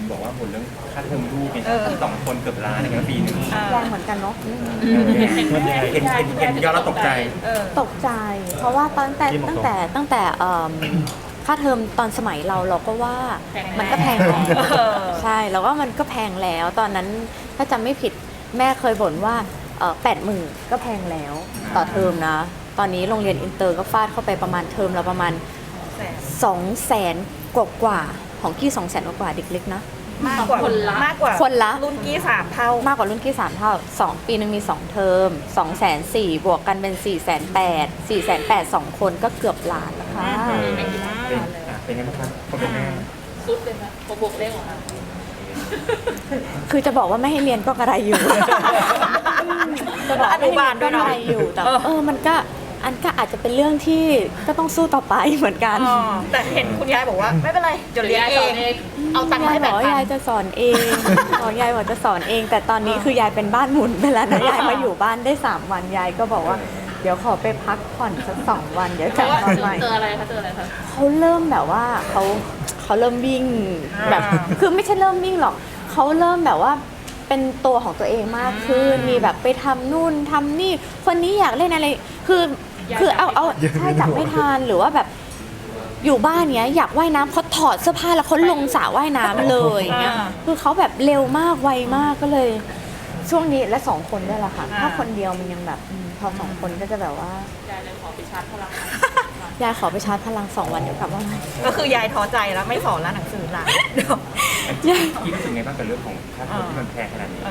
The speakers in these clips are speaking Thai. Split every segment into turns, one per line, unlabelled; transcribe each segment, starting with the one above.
บอกว่าหมดเรื่องค่าเทอมลูกเนี่ย2 คนเกือบล้านในปีนึง
แรงเหมือนกันเนาะ
เห็นยอดแล้วตกใจ
ตกใจ เพราะว่าตั้งแต่ค่าเทอมตอนสมัยเราก็ว่ามันก็แพงแล้วใช่แล้วก็มันก็แพงแล้วตอนนั้นถ้าจำไม่ผิดแม่เคยบ่นว่า80,000ก็แพงแล้วต่อเทอมนะตอนนี้โรงเรียนอินเตอร์ก็ฟาดเข้าไปประมาณเทอมละประมาณ200,000กว่าของกี้200,000กว่าเด็กเล็กนะ
มากกว่าคนละรุ่นกี้3 เท่าม
ากกว่ารุ่นกี้3 เท่า2 ปีนึงมี2เทอม240,000บวกกันเป็น480,000 2 คนก็เกือบล้านแล้วค่ะ
เป็นไงบ้างครับคนเป็นแม่
สุดเลยไหมพอบวกเลขออกมา
คือจะบอกว่าไม่ให้เรียนก็กระไรอยู่จะบอก
อนุบาลด้วยเนาะ
อยู่แต่มันก็อาจจะเป็นเรื่องที่ก็ต้องสู้ต่อไปเหมือนกัน
แต่เห็นคุณยายบอกว่าไม่เป็นไรเดี๋ยวเรียนเองเอาตังค์ให้แบบ
ยายจะสอนเองยายบอกจะสอนเองแต่ตอนนี้คือยายเป็นบ้านหมุนไปแล้วนะยายมาอยู่บ้านได้3 วันยายก็บอกว่าเดี๋ยวขอไปพักผ่อนสัก2 วันเดี๋ยวกลับมาใหม่
เจออะไรคะ
เขาเริ่มแบบว่าเขาเริ่มวิ่งแบบคือไม่ใช่เริ่มวิ่งหรอกเขาเริ่มแบบว่าเป็นตัวของตัวเองมากขึ้นมีแบบไปทำนู่นทำนี่คนนี้อยากเล่นอะไรคือเอาใช่จับไม่ทันหรือว่าแบบอยู่บ้านเนี้ยอยากว่ายน้ำเขาถอดเสื้อผ้าแล้วเขาลงสระว่ายน้ำเลยเงี้ยคือเขาแบบเร็วมากไวมากก็เลยช่วงนี้และ2 คนด้วยแหละค่ะถ้าคนเดียวมันยังแบบพอ2 คนก็จะแบบว่าย
ายเลยขอไปชาร์จพลัง
ยายขอไปชาร์จพลัง2 วันเดี๋ยวกลับมา
ก็คือยายท้อใจแล้วไม่สอนแล้วหนังสือละ
คิดรู้สึกไงบ้างกับเรื่องของค่าเทอมที่มันแพงขนาดนี้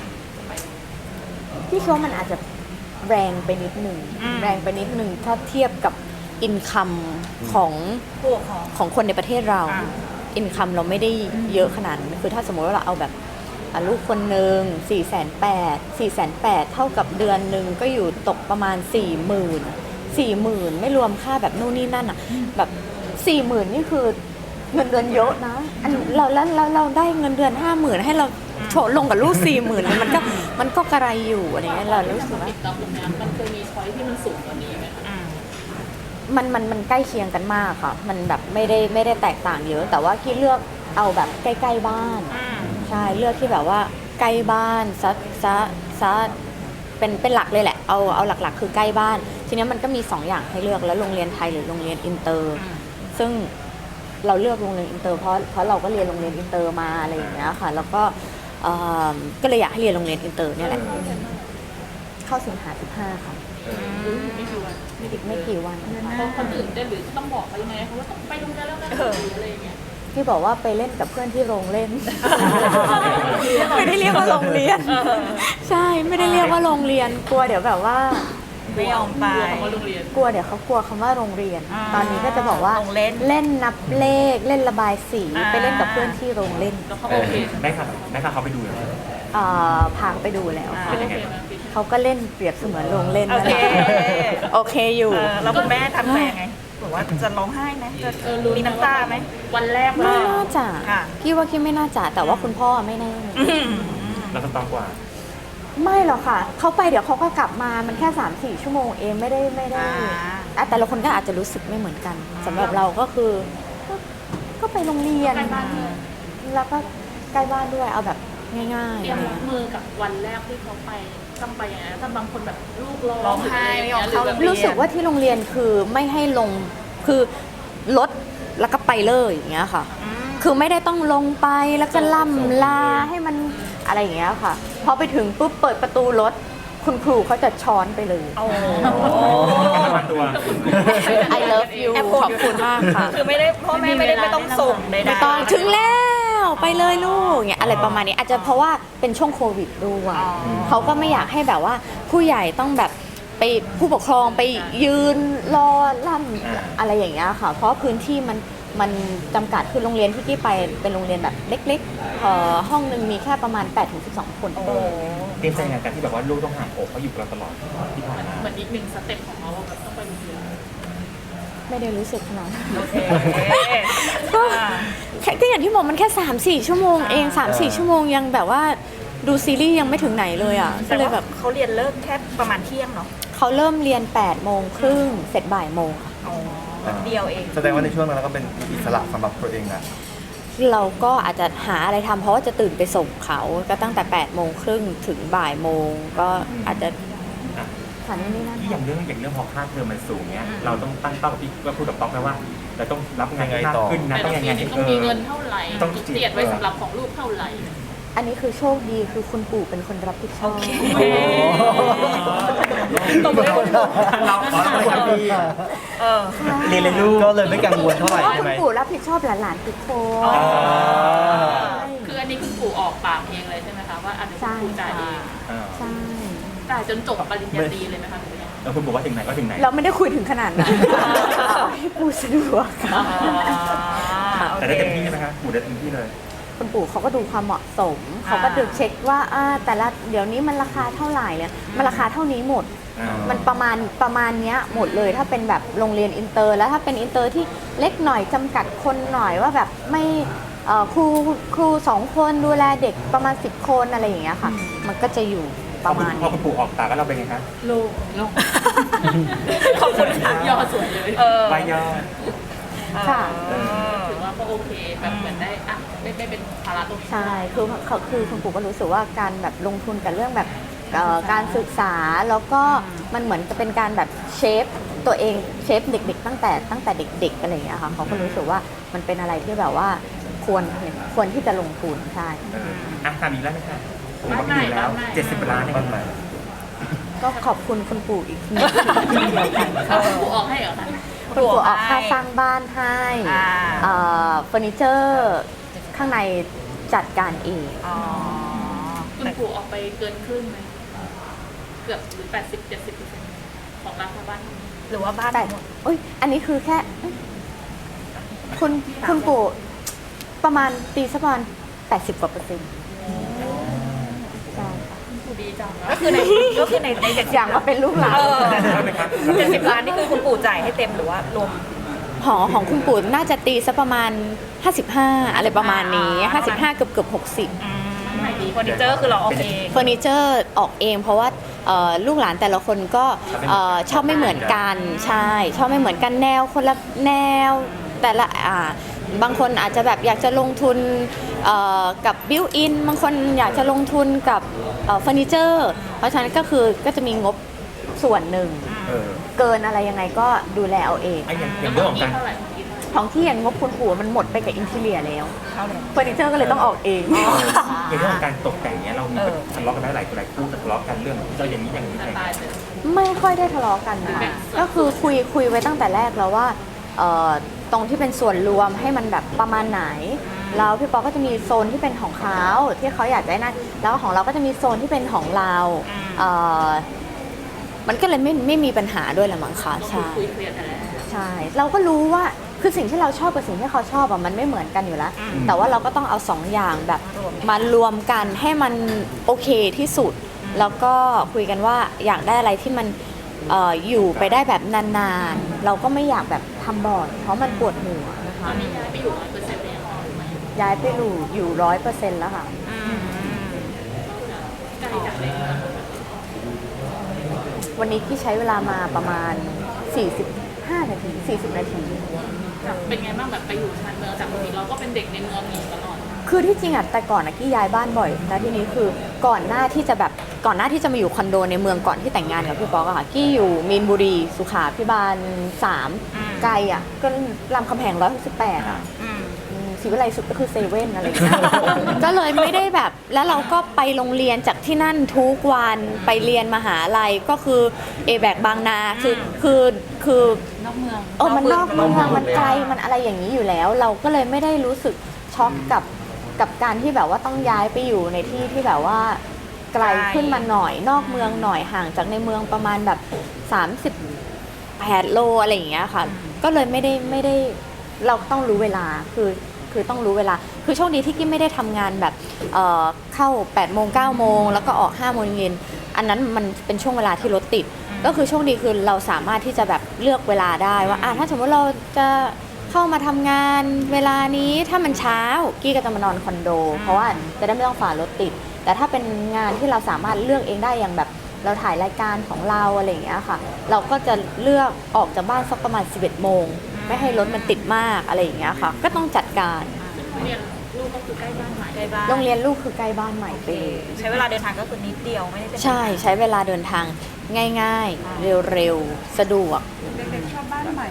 พี่คิดว่ามันอาจจะแรงไปนิดหนึ่งถ้าเทียบกับอินคัมของคนในประเทศเราอินคัมเราไม่ได้เยอะขนาดนั้นคือถ้าสมมติว่าเราเอาแบบลูกคนหนึ่ง480,000เท่ากับเดือนหนึ่งก็อยู่ตกประมาณ40,000ไม่รวมค่าแบบนู่นนี่นั่นอ่ะแบบ40,000นี่คือเงินเดือนเยอะนะเราได้เงินเดือน50,000ให้เราโฉลลงกับลูก40,000มันก็กระไรอยู่อะไรเงี้ยเรารู้สึกว่า
มันเคยมีช้อยที่มันสูงกว่านี้ไหมคะ
มันใกล้เคียงกันมากค่ะมันแบบไม่ได้แตกต่างเยอะแต่ว่าที่เลือกเอาแบบใกล้ๆบ้านใช่เลือกที่แบบว่าใกล้บ้านซะเป็นหลักเลยแหละเอาหลักๆคือใกล้บ้านทีนี้มันก็มี2 อย่างให้เลือกแล้วโรงเรียนไทยหรือโรงเรียนอินเตอร์ซึ่งเราเลือกโรงเรียนอินเตอร์เพราะเราก็เรียนโรงเรียนอินเตอร์มาอะไรอย่างเงี้ยค่ะแล้วก็เลยอยากให้เรียนโรงเรียนอินเตอร์เนี่ยแหละเข้าสิงหา15ค่ะอีกไม่กี่วัน
เพราะคนอื่นได้หรือต้องบอกเขายังไงเขาว่าต้องไปโรงเรียนแล้วกันอะไรอย่างเงี้ย
ที่บอกว่าไปเล่นกับเพื่อนที่โรงเล่นไม่ได้เรียกว่าโรงเรียนใช่ไม่ได้เรียกว่าโรงเรียนกลัวเดี๋ยวแบบว่า
ไม่ยอมไป
กลัวเดี๋ยวเขากลัวคำว่าโรงเรียนตอนนี้ก็จะบอกว่าเล่นนับเลขเล่นระบายสีไปเล่นกับเพื่อนที่โรงเล่น
แล้วเขาโอเค
ได้ค่ะเขาไปดูแล้ว
พาไปดูแล้วเขาก็เล่นเปรียบเสมือนโรงเล่นโอเคอยู่
แล้วคุณแม่ทำไงบอกว่าจะร้องไห้ไหมจะมีน้ำตาไหม
วันแรก
ไม่น่าจะพี่ว่าไม่น่าจะแต่ว่าคุณพ่อไม่แน่
แล้วก็ต้องกว่า
ไม่หรอกค่ะเขาไปเดี๋ยวเขาก็กลับมามันแค่3-4 ชั่วโมงเองไม่ได้แต่ละคนก็อาจจะรู้สึกไม่เหมือนกันสำหรับเราก็คือก็ไปโรงเรียนแล้วก็ใกล้บ้านด้วยเอาแบบง่ายๆ
เตรียมรับมือกับวันแรกที่เขาไปต้องไปอย่างนั้นแต่บางคนแบบลูก
ร้องไห้ไม่ยอมเข้า
รู้สึกว่าที่โรงเรียนคือไม่ให้ลงคือรถแล้วก็ไปเลยอย่างเงี้ยค่ะคือไม่ได้ต้องลงไปแล้วก็ล่ำลาให้มันอะไรอย่างเงี้ยค่ะพอไปถึงปุ๊บเปิดประตูรถคุณครูเขาจะช้อนไปเลยI love you ขอบคุณมากค่ะ
คือไม่ได้พ่อแม่ไม่ต้องส่ง
ไม่ต้องถึงแล้วไปเลยลูกเงี้ยอะไรประมาณนี้อาจจะเพราะว่าเป็นช่วงโควิดด้วยเขาก็ไม่อยากให้แบบว่าผู้ใหญ่ต้องแบบไปผู้ปกครองไปยืนรอล่ำอะไรอย่างเงี้ยค่ะเพราะพื้นที่มันจำกัดคือโรงเรียนที่กี้ไปเป็นโรงเรียนแบบเล็กๆห้องนึงมีแค่ประมาณ8-12 คน
เตรียมใจในการที่แบบว่าลูกต้องห่างอกเขาอยู่กับเราตลอดที่ผ่านมา
เหมือนอีก1 สเต็ปของเราแบบต้องไปโรงเรียน
ไม่ได้รู้สึกขนาดนั้นก็อย่างที่บอกมันแค่3-4 ชั่วโมงเอง3-4 ชั่วโมงยังแบบว่าดูซีรีส์ยังไม่ถึงไหนเลยอ่ะก็เลยแบบ
เขาเรียนเลิกแค่ประมาณเที่ยงเนาะ
เขาเริ่มเรียน8:30เสร็จบ่ายโมงค่ะ
เดียวเอง
แสดงว่าในช่วงนั้นเราก็เป็นอิสระสำหรับตัวเองนะ
เราก็อาจจะหาอะไรทำเพราะว่าจะตื่นไปส่งเขาก็ตั้งแต่8:30ถึงบ่ายโมงก็อาจจะ
อ่ะ
ฐานนี่นั่น
ที่อย่างเรื่องพอค่าเทอมมันสูงเนี้ยเราต้องตั้งเป้ากับพี่ก็พูดกับป๊อกนะว่าเราต้องรับงานมากขึ้นนะ
แต่
ต้อง
ละ
ยัง
ปี
ไง
นี้ต้องมีเงินเท่าไหร่
ต้อง
เจียดไว้สำหรับของลูกเท่าไหร่
อันนี้คือโชคดีคือคุณปู่เป็นคนรับผิดชอบ
ตบมือให้คุณปู่
เราไปทำดี เรียนเลยลูก
ก็เลยไม่กังวลเท่า
เพ
ไหร่
ราะว่า
ใช่
คุ
ไห
ณ
ม
ปู่รับผิดชอบหลานๆทุกคน
อ๋อ
คืออันนี้คุณปู่ออกปากเองเลยใช่ไหมคะว่าอันนี้คุณปู่จ่ายเอง
ใช่
จ่ายจนจบปริญญาตรีเลยไหมคะหรือยัง
แล้วคุณบอกว่าถึงไหนก็ถึงไหน
เราไม่ได้คุยถึงขนาดนั้นเอาให้ปู่สะดวก
แต่ได้เต็มที่นะคะหมูได้เต็มที่เลย
คุณปู่เขาก็ดูความเหมาะสม เขาก็ดูเช็คว่าแต่ละเดี๋ยวนี้มันราคาเท่าไหร่เนี่ยมันราคาเท่านี้หมด มันประมาณเนี้ยหมดเลยถ้าเป็นแบบโรงเรียนอินเตอร์แล้วถ้าเป็นอินเตอร์ที่เล็กหน่อยจำกัดคนหน่อยว่าแบบไม่ครู2 คนดูแลเด็กประมาณ10 คนอะไรอย่างเงี้ยค่ะ มันก็จะอยู่ประมาณ
พอคุณปู่ออกปากแล้วเราเป็นไงคะ
ลูกขอบคุณค่ะยอดสวยเลย
ใบยอด
ค่ะ
ถือว่าก็โอเคแบบเหมือนได้ไม่เป็นภาระตรงนี้
ใช่คือคุณปู่ก็รู้สึกว่าการแบบลงทุนกับเรื่องแบบการศึกษาแล้วก็มันเหมือนจะเป็นการแบบเชฟตัวเองเชฟเด็กๆตั้งแต่เด็กๆอะไรอย่างเงี้ยค่ะเขาก็รู้สึกว่ามันเป็นอะไรที่แบบว่าควรที่จะลงทุนใช่
ทำอีกแล้วไหมคะผมบอกอยู่แล้ว70 ล้านในบ้านใหม่
ก็ขอบคุณคุณปู่อีกหนึ่งทีเดียวกัน
คุณปู่ออกให้เหรอคะ
คุณปู่ออกค่าสร้างบ้านให้เฟอร์นิเจอร์ข้างในจัดการเอง
คุณปู่ออกไปเกินครึ่งไหมเกือบหรือ80-70%ของราคาบ้าน
หรือว่าบ้าน
แต่อุ้ยอันนี้คือแค่คุณปู่ประมาณตีสักประมาณ80 กว่าเปอร์เซ็นต์ใช่ค่ะ
ปู่ดีจัง
ก็คือในเจ็ด
อย่างว่าเป็นลูกหลาน
70 ล้านนี่คือคุณปู่จ่ายให้เต็มหรือว่ารวม
ของคุณปู่น่าจะตีสักประมาณ55อะไรประมาณนี้55เกือบ60
ไหนดีเฟอร์นิเจอร์คือเราเอาเอง
เฟอร์นิเจอร์ออกเองเพราะว่าลูกหลานแต่ละคนก็ชอบไม่เหมือนกันใช่ชอบไม่เหมือนกันแนวคนละแนวแต่ละบางคนอาจจะแบบอยากจะลงทุนกับบิวอินบางคนอยากจะลงทุนกับเฟอร์นิเจอร์เพราะฉะนั้นก็จะมีงบส่วนหนึ่งเกินอะไรยังไงก็ดูแลเอาเอง
อย่างเรื่องของการ
เท่าไหร่
ของที่อย่างงบคุณปู่มันหมดไปกับอินทีเรียแล้วเฟอร์นิเจอร์ก็เลยต้องออกเอง
อย่างเรื่องของการตกแต่งเนี้ยเรามีทะเลาะกันได้หลายคู่ทะเลาะกันเรื่องเจ้าอย่างนี้อย่างนี้อะไร
ตายเลย
ไม่ค่อยได้ทะเลาะกันค่ะก็คือคุยไว้ตั้งแต่แรกแล้วว่าตรงที่เป็นส่วนรวมให้มันแบบประมาณไหนแล้วพี่ป๊อกก็จะมีโซนที่เป็นของเขาที่เขาอยากได้นั่นแล้วของเราก็จะมีโซนที่เป็นของเรามันก็เลยไม่มีปัญหาด้วยแหละมั้งคะใช่
คุยเคลียร์กันแล้ว
ใช่เราก็รู้ว่าคือสิ่งที่เราชอบกับสิ่งที่เขาชอบมันไม่เหมือนกันอยู่แล้ว แต่ว่าเราก็ต้องเอา2 อย่างแบบมารวมกันให้มันโอเคที่สุด แล้วก็คุยกันว่าอยากได้อะไรที่มันอยู่ไปได้แบบนานๆเราก็ไม่อยากแบบทำบ่อยเพราะมันปวดหัวนะ
ตอ
คะ
นนี้ย้ายไปอยู่100%เลยค่ะ
ย้ายไปอยู่100%แล้วค่ะ
ใกล้จากในเมือง
วันนี้ที่ใช้เวลามาประมาณ45 นาที40 นาที
เป็นไงบ้างแบบไปอยู่ชานเมืองจากปกติเราก็เป็นเด็กในเมืองอยู่ตลอด
คือที่จริงแต่ก่อนกี้ย้ายบ้านบ่อยแล้วทีนี้คือก่อนหน้าที่จะมาอยู่คอนโดในเมืองก่อนที่แต่งงานกับพี่ป๊อกอะค่ะกี้อยู่มีนบุรีสุขาพิบาล3ไกลอะก็รามคำแหง168อะศรีวิไลสุดก็คือเซเว่นอะไรอย่างเงี้ย ก็เลยไม่ได้แบบแล้วเราก็ไปโรงเรียนจากที่นั่นทุกวันไปเรียนมหาลัยก็คือเอแบกบางนาคือน
อกเมือง
มันนอกเมืองมันไกลมันอะไรอย่างนี้อยู่แล้ว เราก็เลยไม่ได้รู้สึกช็อกกับการที่แบบว่าต้องย้ายไปอยู่ในที่ที่แบบว่าไกลขึ้นมาหน่อยนอกเมืองหน่อยห่างจากในเมืองประมาณแบบ38 โลอะไรอย่างเงี้ยค่ะก็เลยไม่ได้เราต้องรู้เวลาคือต้องรู้เวลาคือโชคดีที่กิ๊มไม่ได้ทำงานแบบเข้า8 โมง 9 โมงแล้วก็ออก5 โมงเย็นอันนั้นมันเป็นช่วงเวลาที่รถติดก็คือโชคดีคือเราสามารถที่จะแบบเลือกเวลาได้ว่าถ้าสมมติเราจะเข้ามาทำงานเวลานี้ถ้ามันเช้ากี้ก็จะมานอนคอนโดเพราะว่าจะได้ไม่ต้องฝ่ารถติดแต่ถ้าเป็นงานที่เราสามารถเลือกเองได้อย่างแบบเราถ่ายรายการของเราอะไรอย่างเงี้ยค่ะเราก็จะเลือกออกจากบ้านสักประมาณ11 โมงไม่ให้รถมันติดมากอะไรอย่างเงี้ยค่ะก็ต้องจัดการ
พเรียนลูกก็คือใกล้บ้านใหม่
ใกล้บ้าน
โรงเรียนลูกคือใกล้บ้านใหม่ไปเลย
ใช้เวลาเดินทางก็คือนิดเดียวไม่ได้เป็น
ใช่ใช้เวลาเดินทางง่ายๆ เร็วๆ สะดวก
เด็กๆชอบบ้านใหม่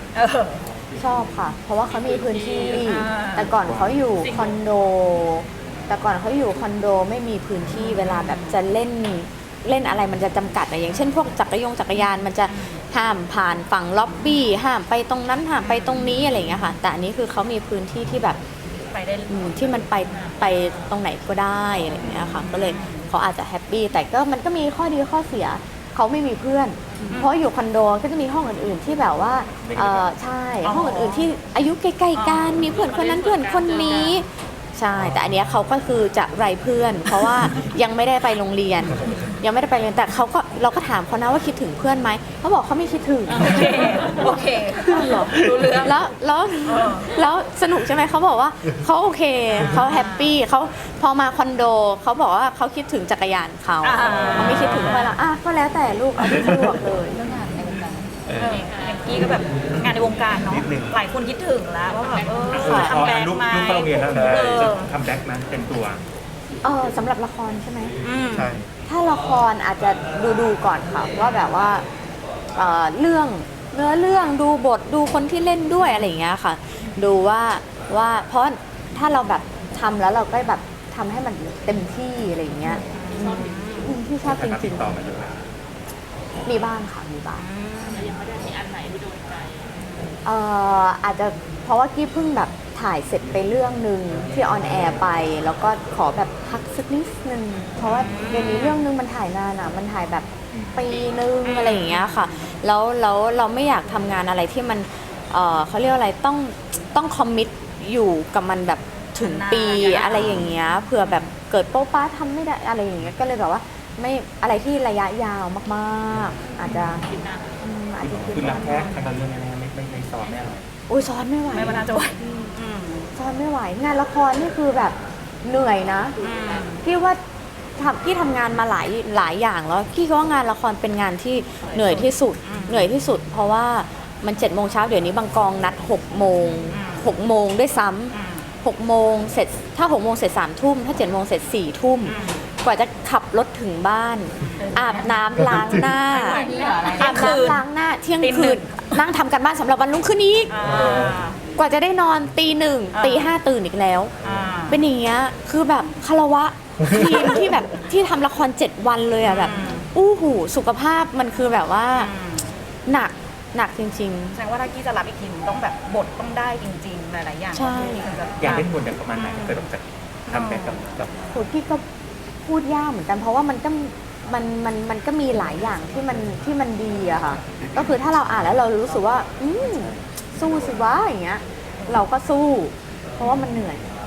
ชอบค่ะ เพราะว่าเขามีพื้นที่
อ่า
แต่ก่อนเขาอยู่คอนโด แต่ก่อนเขาอยู่คอนโดไม่มีพื้นที่เวลาแบบจะเล่นอะไรมันจะจำกัดอะอย่างเช่นพวกจักรยานมันจะห้ามผ่านฝั่งล็อบบี้ห้ามไปตรงนั้นห้ามไปตรงนี้อะไรอย่างเงี้ยค่ะ แต่อันนี้คือเขามีพื้นที่ที่แบบ
ไปได้
ที่มันไปตรงไหนก็ได้อะไรอย่างเงี้ยค่ะก็เลยเขาอาจจะแฮปปี้แต่ก็มันก็มีข้อดีข้อเสียเขาไม่มีเพื่อน เพราะอยู่คอนโดก็จะมีห้องอื่นๆที่แบบว่าใช่ห้องอื่นๆที่อายุใกล้ๆกันมีเพื่อนคนนั้นเพื่อนคนนี้ใช่แต่อันเนี้ยเขาก็คือจะไร้เพื่อน เพราะว่ายังไม่ได้ไปโรงเรียน ยังไม่ได้ไปเรียนแต่เราก็ถามเขานะว่าคิดถึงเพื่อนไหมเขาบอกเขาไม่คิดถึง
โอเค
เหรอ
รู้เรื่อง
แล้วสนุกใช่ไหมเขาบอกว่าเขาโอเคเขาแฮปปี้เขาพอมาคอนโดเขาบอกว่าเขาคิดถึงจักรยานเขาไม่คิดถึงเพื่อนละก็แล้วแต่ลูกเอาที่สะดวกเลยเรื่องงานในวงการ
อย่างกี้ก็แบบงานในวงการเนาะ
นิดนึง
หลายคนคิดถึงแล้วว่าแบบ
พอ
ทำแบง
ลู
ค์
ก
ไหม
เข้าโรงเรียนแล้วนะ
เออ
จะทำแบ็คนั้นเป็นตัว
สำหรับละครใช่ไหม
ใช่
ถ้าละครอาจจะดูก่อนค่ะว่าแบบว่าเรื่องเนื้อเรื่องดูบทดูคนที่เล่นด้วยอะไรอย่างเงี้ยค่ะ ดูว่าเพราะถ้าเราแบบทำแล้วเราก็แบบทำให้มันเต็มที่อะไรอย่างเงี้ยที่ชอบจ
ติ
ริ
ด
ง
ต่อมาเยอะไหม
ๆมีบ้างค่ะมีบ้าง
แต่ยังไม่ได้มีอันไหนที่โดนใจ
อาจจะเพราะว่ากี้เพิ่งแบบถ่ายเสร็จไปเรื่องหนึ่งที่ออนแอร์ไป แล้วก็ขอแบบพักสักนิดนึงเพราะว่าเดี๋ยวนี้เรื่องนึงมันถ่ายนานอ่ะมันถ่ายแบบปีนึงอะไรอย่างเงี้ยค่ะแล้วเราไม่อยากทำงานอะไรที่มันเขาเรียกว่าอะไรต้องคอมมิตอยู่กับมันแบบถึงปีอะไรอย่างเงี้ยเผื่อแบบเกิดโป๊ะป้าทำไม่ได้อะไรอย่างเงี้ยก็เลยแบบว่าไม่อะไรที่ระยะยาวมากๆอาจจะอาจจะคิด
คือรั
ว่าก
แท้ทางการเรื่องแน่ๆไม่ซ้อมแน่เลย
อุ้ยซ้อนไม่ไหว
ไม่ว่าน่าจะไหว
ซ้อนไม่ไหวงานละครนี่คือแบบเหนื่อยนะพี่ว่าพี่ทำงานมาหลายอย่างแล้วพี่ก็ว่างานละครเป็นงานที่เหนื่อยที่สุดเพราะว่ามัน7 โมงเช้าเดี๋ยวนี้บางกองนัด6 โมง6 โมงด้วยซ้ำ6 โมงเสร็จถ้า6 โมงเสร็จ3 ทุ่มถ้า7 โมงเสร็จ4 ทุ่มกว่าจะขับรถถึงบ้านอาบน้ำล้างหน้าอาบน้ำล้างหน้าเที่ยงคืนนั่งทำกันบ้านสำหรับวันรุ่งขึ้นอีกกว่าจะได้นอนตี 1 ตี 5ตื่นอีกแล้วเป็นอย่างเงี้ยคือแบบคารวะทีมที่แบบที่ทำละคร7 วันเลยอะแบบอู้หูสุขภาพมันคือแบบว่าหนักจริง
แสดงว่าถ้ากี้จะรับอีกทีมต้องแบบบทต้องได้จริงๆหลายๆอย่าง
ใช่
ถึงจะ
อยากเล่นบทอย่างประมาณไหนถ้าเกิดแบบจะทำแบ็คกับ
ๆโหพี่ก็พูดยากเหมือนกันเพราะว่ามันก็มีหลายอย่างที่มันดีอะค่ะก็คือถ้าเราอ่านแล้วเรารู้สึกว่าสู้สิวะอย่างเงี้ยเราก็สู้เพราะว่ามันเหนื่อย